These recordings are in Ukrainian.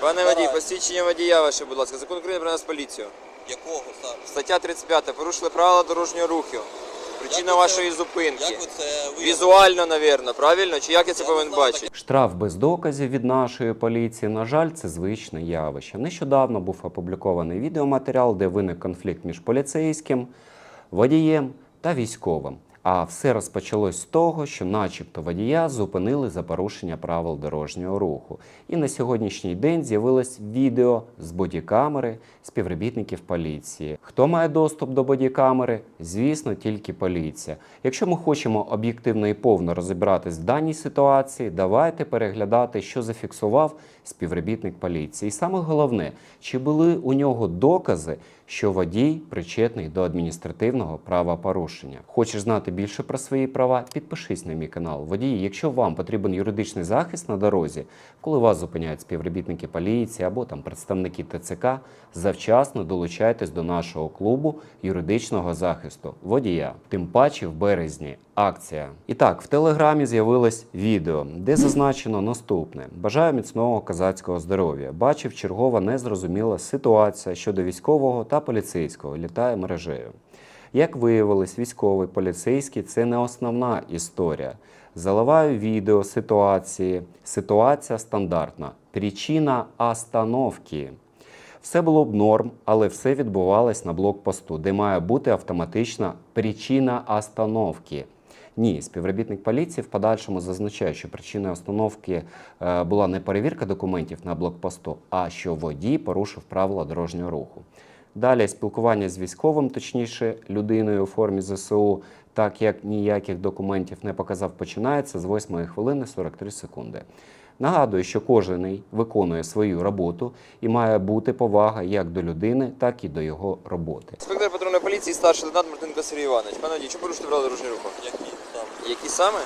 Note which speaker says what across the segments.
Speaker 1: Пане водій, посвідчення водія ваше, будь ласка. Закон України про нас поліцію.
Speaker 2: Якого саме?
Speaker 1: Стаття 35. Порушили правила дорожнього руху. Причина вашої зупинки.
Speaker 2: Як ви це виявили?
Speaker 1: Візуально, навірно, правильно? Чи як я це повинен бачити?
Speaker 3: Штраф без доказів від нашої поліції, на жаль, це звичне явище. Нещодавно був опублікований відеоматеріал, де виник конфлікт між поліцейським, водієм та військовим. А все розпочалось з того, що начебто водія зупинили за порушення правил дорожнього руху. І на сьогоднішній день з'явилось відео з бодікамери співробітників поліції. Хто має доступ до бодікамери? Звісно, тільки поліція. Якщо ми хочемо об'єктивно і повно розібратись в даній ситуації, давайте переглядати, що зафіксував співробітник поліції. І саме головне, чи були у нього докази, що водій причетний до адміністративного правопорушення. Хочеш знати більше про свої права? Підпишись на мій канал. Водії, якщо вам потрібен юридичний захист на дорозі, коли вас зупиняють співробітники поліції або там представники ТЦК, завчасно долучайтесь до нашого клубу юридичного захисту водія. Тим паче в березні акція. І так, в Телеграмі з'явилось відео, де зазначено наступне. Бажаю міцного козацького здоров'я. Бачив чергова незрозуміла ситуація щодо військового та поліцейського. Літає мережею. Як виявилось, військовий, поліцейський – це не основна історія. Заливаю відео ситуації. Ситуація стандартна. Причина остановки. Все було б норм, але все відбувалось на блокпосту, де має бути автоматична причина остановки. Ні, співробітник поліції в подальшому зазначає, що причиною остановки була не перевірка документів на блокпосту, а що водій порушив правила дорожнього руху. Далі спілкування з військовим, точніше людиною у формі ЗСУ, так як ніяких документів не показав, починається з 8 хвилини 43 секунди. Нагадую, що кожен виконує свою роботу і має бути повага як до людини, так і до його роботи.
Speaker 1: Інспектор патрульної поліції, старший лейтенант Мартинко Сергій Іванович. Пане водій, чому порушили правила дорожнього руху?
Speaker 2: Які саме?
Speaker 1: Які саме?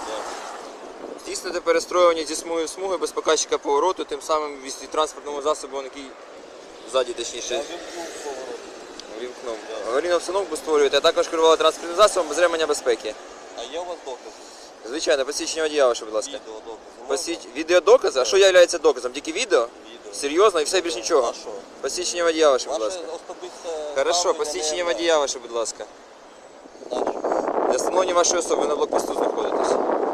Speaker 1: Здійснити перестроювання зі смуги в смуги без показчика повороту, тим самим ввести транспортному засобу, який ззаді, точніше.
Speaker 2: Я вимкнув поворот.
Speaker 1: Вімкнув. Аварійну обстановку створюєте, а також керували транспортним засобом без ремення безпеки.
Speaker 2: А є у вас докази?
Speaker 1: Звичайно, посвідчення водія ваше, будь ласка.
Speaker 2: Відеодокази.
Speaker 1: Відеодокази? А що є доказом? Тільки відео?
Speaker 2: Відео.
Speaker 1: Серйозно? І все більш нічого?
Speaker 2: А що?
Speaker 1: Посвідчення водія ваше, будь
Speaker 2: Ваше
Speaker 1: ласка.
Speaker 2: особисте
Speaker 1: Хорошо,
Speaker 2: ставлення
Speaker 1: посвідчення
Speaker 2: не
Speaker 1: водія ваше, будь ласка.
Speaker 2: наше.
Speaker 1: Для встановлення вашої особи ви на блокпосту знаходитесь.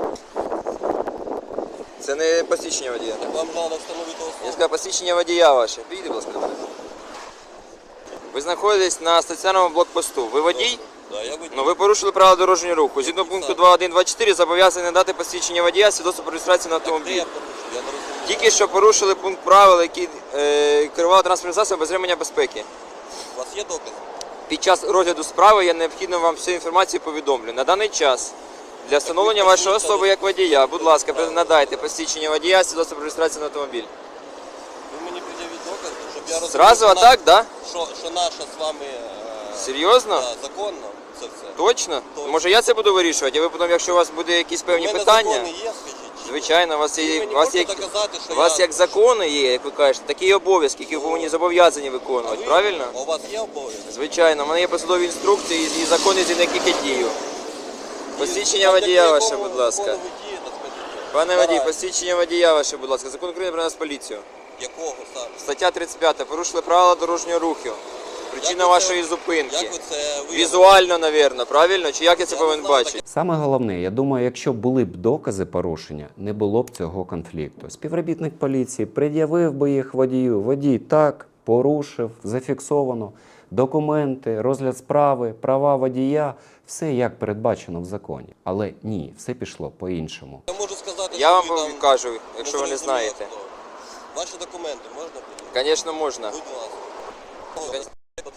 Speaker 1: Це не посвідчення водія.
Speaker 2: Так вам треба встановити
Speaker 1: Я
Speaker 2: особу.
Speaker 1: сказав, посвідчення водія ваше. Підійди, будь ласка, до мене. Ви знаходитесь на стаціонарному блокпосту. Ви водій?
Speaker 2: Да, я водій.
Speaker 1: Ну, ви порушили правила дорожнього руху. Згідно пункту 2.1.2.4 зобов'язані надати посвідчення водія, свідоцтво про реєстрацію на
Speaker 2: Де
Speaker 1: автомобіль.
Speaker 2: я порушив? Я не розумію.
Speaker 1: Тільки що порушили пункт правил, які керували транспортним засобом без ремення безпеки.
Speaker 2: У вас є докази?
Speaker 1: Під час розгляду справи я необхідно вам всю інформацію повідомлю. На даний час для встановлення вашої особи як водія, будь ласка, надайте посвідчення водія, свідоцтво про реєстрацію на автомобіль.
Speaker 2: Ви мені пред'явіть докази, щоб я розумів,
Speaker 1: Зразу
Speaker 2: що
Speaker 1: атак, да?
Speaker 2: що наша з вами
Speaker 1: Серйозно?
Speaker 2: законно це все.
Speaker 1: Точно?
Speaker 2: Точно.
Speaker 1: Може я це буду вирішувати, а ви потім, якщо у вас буде якісь певні
Speaker 2: У мене
Speaker 1: питання,
Speaker 2: закони є, скажіть?
Speaker 1: звичайно, у вас
Speaker 2: Ви
Speaker 1: є,
Speaker 2: мені
Speaker 1: у вас
Speaker 2: можете
Speaker 1: є,
Speaker 2: доказати, що
Speaker 1: у вас
Speaker 2: я...
Speaker 1: як закони є, як ви кажете, такі обов'язки, які ви повинні зобов'язані
Speaker 2: А
Speaker 1: виконувати,
Speaker 2: ви-
Speaker 1: правильно?
Speaker 2: А у вас є обов'язки?
Speaker 1: Звичайно, у мене є посадові інструкції і закони, з яких я дію. Посвідчення
Speaker 2: А
Speaker 1: водія
Speaker 2: так
Speaker 1: ваше,
Speaker 2: якого
Speaker 1: будь ласка.
Speaker 2: закону ви дієте, скажіть?
Speaker 1: Пане водій,
Speaker 2: Давай.
Speaker 1: посвідчення водія ваше, будь ласка. Закон України про нас поліцію.
Speaker 2: Якого саме?
Speaker 1: Стаття 35. Порушили правила дорожнього руху. Причина
Speaker 2: Як ви
Speaker 1: вашої
Speaker 2: це-
Speaker 1: зупинки.
Speaker 2: Як ви це виявили?
Speaker 1: Візуально, навірно, правильно? Чи як я це
Speaker 2: Я не
Speaker 1: повинен
Speaker 2: знаю,
Speaker 1: бачити?
Speaker 3: Саме головне, я думаю, якщо були б докази порушення, не було б цього конфлікту. Співробітник поліції пред'явив би їх водію. Водій так, порушив, зафіксовано. Документи, розгляд справи, права водія – все як передбачено в законі. Але ні, все пішло по-іншому.
Speaker 2: Я можу сказати,
Speaker 1: Я
Speaker 2: що
Speaker 1: вам
Speaker 2: ви там
Speaker 1: кажу, якщо ви не
Speaker 2: зрозуміли,
Speaker 1: знаєте.
Speaker 2: хто. Ваші документи можна подивитися?
Speaker 1: Звісно, можна.
Speaker 2: Будь ласка.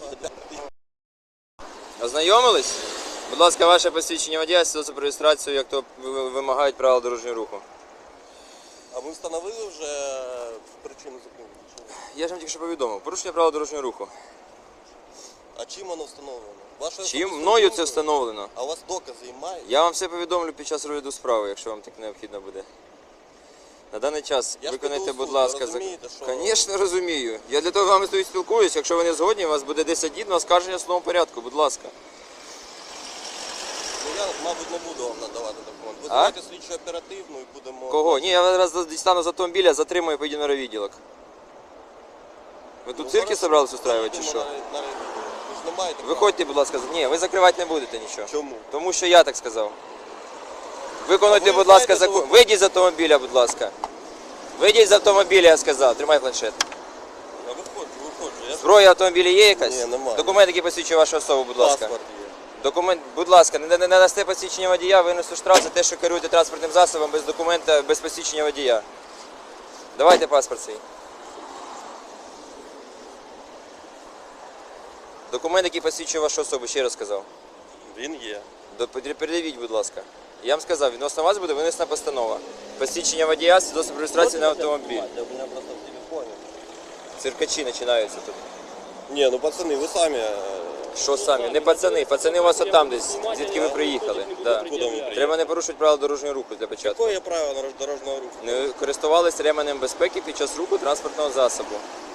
Speaker 1: Ознайомились? Будь ласка, ваше посвідчення водія, свідоцтво про реєстрацію, як то вимагають правила дорожнього руху.
Speaker 2: А ви встановили вже причину зупинки? чи ні?
Speaker 1: Я ж вам тільки що повідомив. Порушення правил дорожнього руху.
Speaker 2: А чим воно встановлено? Вашою
Speaker 1: Чим?
Speaker 2: особистою
Speaker 1: Мною це
Speaker 2: думкою?
Speaker 1: встановлено.
Speaker 2: А у вас докази і мають?
Speaker 1: Я вам все повідомлю під час розгляду справи, якщо вам так необхідно буде. На даний час
Speaker 2: Я ж
Speaker 1: виконайте,
Speaker 2: піду у
Speaker 1: будь
Speaker 2: суд,
Speaker 1: ласка,
Speaker 2: ви розумієте, що-
Speaker 1: Звісно, розумію. Я для того з вами тут спілкуюсь. Якщо ви не згодні, у вас буде 10 днів на оскарження в судовому порядку, будь ласка.
Speaker 2: Ну я, мабуть, не буду вам надавати документ. Ви
Speaker 1: А?
Speaker 2: давайте слідчу оперативну і будемо...
Speaker 1: Кого? Ні, я зараз дістану з автомобіля, затримую і поїду на райвідділок. Ви тут цирки собрались устраивати чи що?
Speaker 2: Ви ж не маєте права.
Speaker 1: Виходьте, будь ласка. Ні, ви закривати не будете нічого.
Speaker 2: Чому?
Speaker 1: Тому що я так сказав. Виконуйте,
Speaker 2: А ви
Speaker 1: будь ласка,
Speaker 2: знаєте,
Speaker 1: закон.
Speaker 2: що ви-
Speaker 1: Вийдіть з автомобіля, будь ласка. Вийдіть з автомобіля, я сказав. Тримай планшет.
Speaker 2: Я виходжу. Я
Speaker 1: Зброя в автомобілі є якась?
Speaker 2: Ні, немає.
Speaker 1: Документ, який посвідчує вашу особу, будь ласка.
Speaker 2: паспорт є.
Speaker 1: Документ, будь ласка, не дасте посвідчення водія, винесу штраф за те, що керуєте транспортним засобом без документа, без посвідчення водія. Давайте паспорт свій. Документ, який посвідчує вашу особу, ще раз сказав.
Speaker 2: Він є.
Speaker 1: Передавіть, будь ласка. Я вам сказав, відносно вас буде винесена постанова. Посвідчення водія, свідоцтво про реєстрацію на автомобіль.
Speaker 2: У мене просто в телефоні.
Speaker 1: Циркачі починаються тут.
Speaker 2: Ні, ну пацани, ви самі.
Speaker 1: Що самі? Не пацани, пацани у вас отам десь, звідки ви приїхали. Да.
Speaker 2: Куди ми приїхали?
Speaker 1: Треба не порушувати правила дорожнього руху для початку.
Speaker 2: Яке є правило дорожнього руху?
Speaker 1: Не користувалися ременем безпеки під час руху транспортного засобу.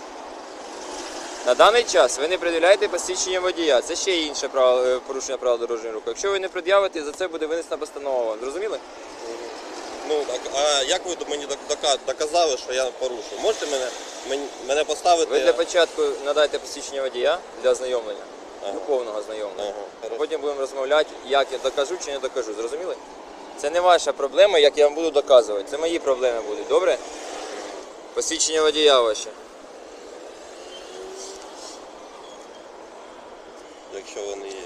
Speaker 1: На даний час ви не пред'являєте посвідчення водія. Це ще інше порушення правил дорожнього руху. Якщо ви не пред'явите, за це буде винесена постанова. Зрозуміли?
Speaker 2: Ну, так, а як ви мені доказали, що я порушив? Можете мене поставити?
Speaker 1: Ви для початку надайте посвідчення водія для ознайомлення.
Speaker 2: Ага.
Speaker 1: До повного ознайомлення.
Speaker 2: Ага, хорошо.
Speaker 1: Потім будемо розмовляти, як я докажу чи не докажу. Зрозуміли? Це не ваша проблема, як я вам буду доказувати. Це мої проблеми будуть. Добре? Посвідчення водія ваше.
Speaker 2: Якщо вони є.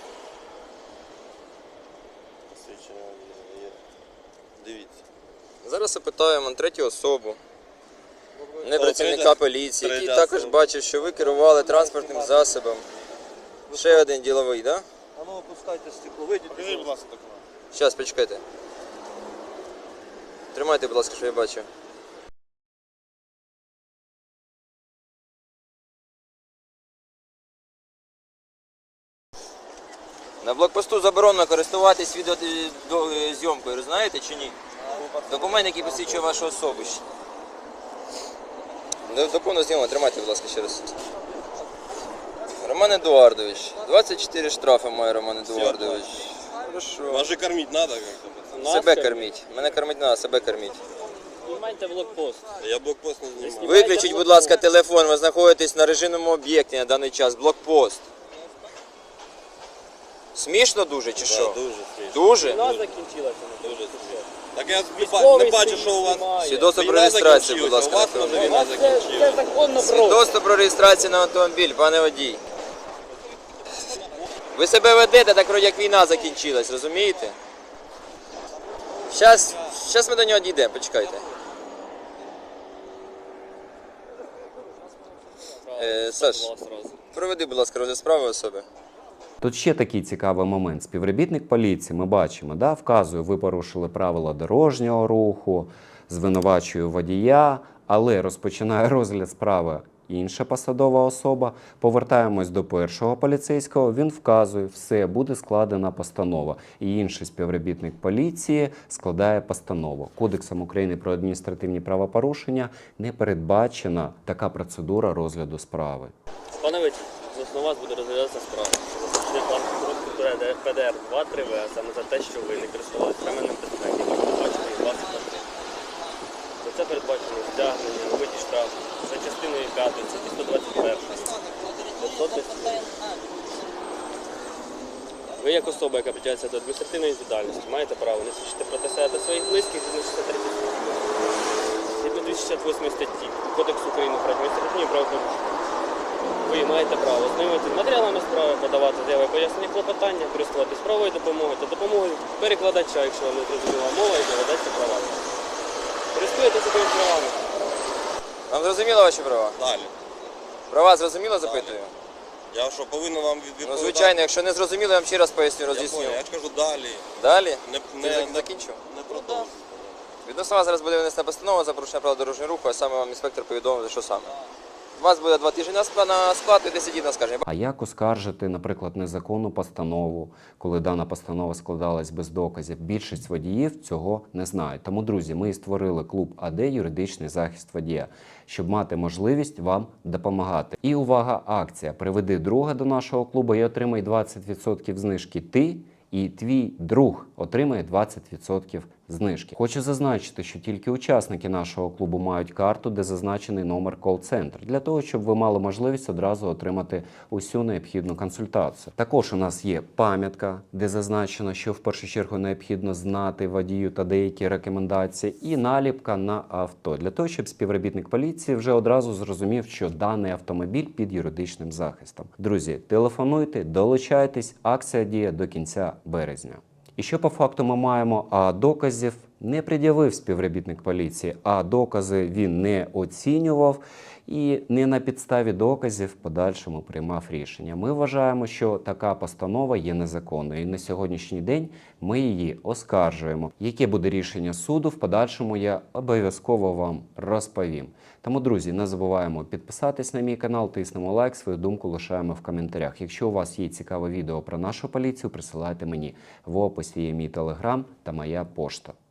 Speaker 2: Посвідчення є. Дивіться.
Speaker 1: Зараз опитаємо третю особу, не
Speaker 2: О,
Speaker 1: працівника
Speaker 2: третя-
Speaker 1: поліції, який
Speaker 2: третя
Speaker 1: також
Speaker 2: особа.
Speaker 1: бачив, що ви керували транспортним засобом. Ще один діловий, так? Да?
Speaker 2: А ну опускайте стекло, вийдіть. Покажи, будь ласка, документ.
Speaker 1: Зараз, почекайте. Тримайте, будь ласка, що я бачу. На блокпосту заборонено користуватись відеозйомкою, знаєте чи ні? Документ, який посвідчує вашу особу. До повного зніму, тримайте, будь ласка, ще раз. Роман Едуардович. 24 штрафи має Роман Едуардович. Хорошо.
Speaker 2: Вас же кормить надо как-то, пацан.
Speaker 1: Себе корміть. Мене кормить не треба, себе корміть.
Speaker 4: Знімайте блокпост.
Speaker 2: Я блокпост не знімаю.
Speaker 1: Виключіть, будь ласка, телефон. Ви знаходитесь на режимному об'єкті на даний час. Блокпост. Смішно дуже чи
Speaker 2: Да,
Speaker 1: що?
Speaker 2: дуже смішно.
Speaker 1: Дуже?
Speaker 4: Війна закінчилася.
Speaker 2: Дуже смішно. Так я
Speaker 4: Військовий
Speaker 2: не бачу, що у вас
Speaker 4: знімає.
Speaker 1: Свідоцтво про
Speaker 2: війна
Speaker 1: реєстрацію, будь
Speaker 2: закінчилася.
Speaker 1: ласка,
Speaker 2: У вас
Speaker 1: на
Speaker 2: може
Speaker 1: автомобіль.
Speaker 2: війна
Speaker 4: Це
Speaker 2: закінчилася.
Speaker 4: законно просто.
Speaker 1: Свідоцтво про реєстрацію на автомобіль, пане водій. Ви себе ведете так, вроде як війна закінчилась, розумієте? Щас ми до нього дійдемо, почекайте. Саш, проведи, будь ласка, розгляд справи особи.
Speaker 3: Тут ще такий цікавий момент. Співробітник поліції, ми бачимо, да, вказує, ви порушили правила дорожнього руху, звинувачує водія, але розпочинає розгляд справи інша посадова особа. Повертаємось до першого поліцейського, він вказує, все, буде складена постанова. І інший співробітник поліції складає постанову. Кодексом України про адміністративні правопорушення не передбачена така процедура розгляду справи.
Speaker 4: Пане Витя, відносно вас буде розглядатися справа. Запрошення паспорту ПДР 2-3В, саме за те, що ви не користувалися ременем безпеки, який передбачений у вас квартирі. За це передбачено стягнення, вибиті штраф за частиною 5 статті 121. 510. Ви як особа, яка притягується до адміністративної відповідальності, маєте право не свідчити проти себе та своїх близьких згідно 63 статті. Згідно 268 статті Кодексу України про адміністративні правопорушення. Ви маєте право ознайомитися з матеріалами справи, подавати заяви пояснення клопотання, користуватись правовою допомогою та допомогою перекладача, якщо вам не зрозуміла мова і доведеться права. Користуєтеся такими правами.
Speaker 1: Вам зрозуміло ваші права?
Speaker 2: Далі.
Speaker 1: Права зрозуміло, запитую?
Speaker 2: Я що, повинен вам
Speaker 1: Ну,
Speaker 2: відповідати?
Speaker 1: звичайно, якщо не зрозуміло, я вам ще раз поясню,
Speaker 2: Я
Speaker 1: роз'ясню.
Speaker 2: понял, я ж кажу далі.
Speaker 1: Далі?
Speaker 2: Не
Speaker 1: Закінчив?
Speaker 2: Не продовжуй.
Speaker 1: Відносно вас зараз буде винесена постанова за порушення правил дорожнього руху, а саме вам інспектор повідомив, що саме. У вас буде 2 тижні на склад і 10 днів на скарження.
Speaker 3: А як оскаржити, наприклад, незаконну постанову, коли дана постанова складалась без доказів? Більшість водіїв цього не знають. Тому, друзі, ми і створили клуб АД «Юридичний захист водія», щоб мати можливість вам допомагати. І увага, акція. Приведи друга до нашого клубу і отримай 20% знижки ти, і твій друг отримає 20% знижки. Хочу зазначити, що тільки учасники нашого клубу мають карту, де зазначений номер кол-центру, для того, щоб ви мали можливість одразу отримати усю необхідну консультацію. Також у нас є пам'ятка, де зазначено, що в першу чергу необхідно знати водію та деякі рекомендації, і наліпка на авто, для того, щоб співробітник поліції вже одразу зрозумів, що даний автомобіль під юридичним захистом. Друзі, телефонуйте, долучайтесь, акція діє до кінця березня. І що по факту ми маємо? А доказів не пред'явив співробітник поліції, а докази він не оцінював і не на підставі доказів в подальшому приймав рішення. Ми вважаємо, що така постанова є незаконною, і на сьогоднішній день ми її оскаржуємо. Яке буде рішення суду, в подальшому я обов'язково вам розповім. Тому, друзі, не забуваємо підписатись на мій канал, тиснемо лайк, свою думку лишаємо в коментарях. Якщо у вас є цікаве відео про нашу поліцію, присилайте мені. В описі є мій телеграм та моя пошта.